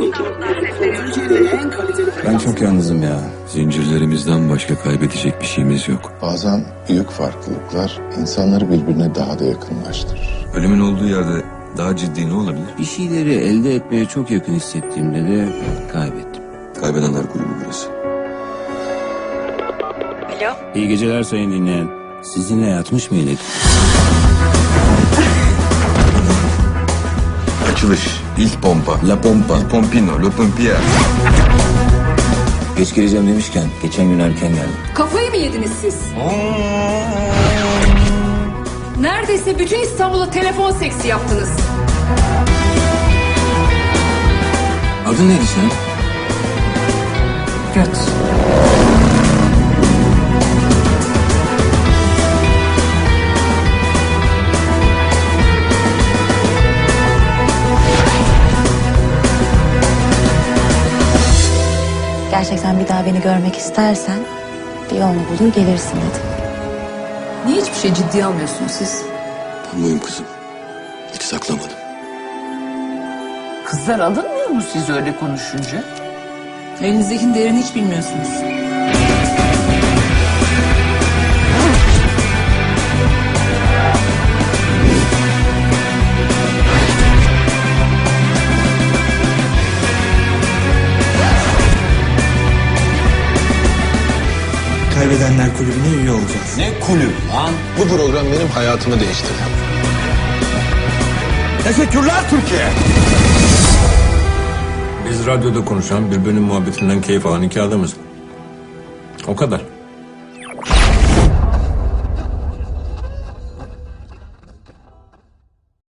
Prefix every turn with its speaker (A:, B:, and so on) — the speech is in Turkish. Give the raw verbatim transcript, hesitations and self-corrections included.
A: Ben çok yalnızım ya. Zincirlerimizden başka kaybedecek bir şeyimiz yok.
B: Bazen büyük farklılıklar insanları birbirine daha da yakınlaştırır.
A: Ölümün olduğu yerde daha ciddi ne olabilir? Bir şeyleri elde etmeye çok yakın hissettiğimde de kaybettim. Kaybedenler kulübü burası.
C: Alo.
A: İyi geceler sayın dinleyen. Sizinle yatmış mıydık?
D: Açılış. İlk pompa.
A: La Pompa.
D: Il Pompino. Le Pompier.
A: Geç geleceğim demişken geçen gün erken geldim.
C: Kafayı mı yediniz siz? Neredeyse bütün İstanbul'a telefon seksi yaptınız.
A: Adın neydi senin?
C: Göt.
E: Gerçekten bir daha beni görmek istersen bir yolunu bulur gelirsin dedim.
C: Niye hiçbir şey ciddiye almıyorsunuz siz?
A: Ben buyum kızım. Hiç saklamadım.
F: Kızlar alınmıyor mu siz öyle konuşunca?
C: Elinizdekinin değerini hiç bilmiyorsunuz.
G: Kaybedenler Kulübü'ne üye olacağız.
A: Ne kulüp lan?
B: Bu program benim hayatımı değiştirdi.
G: Teşekkürler Türkiye.
H: Biz radyoda konuşan birbirinin muhabbetinden keyif alan iki adamız. O kadar.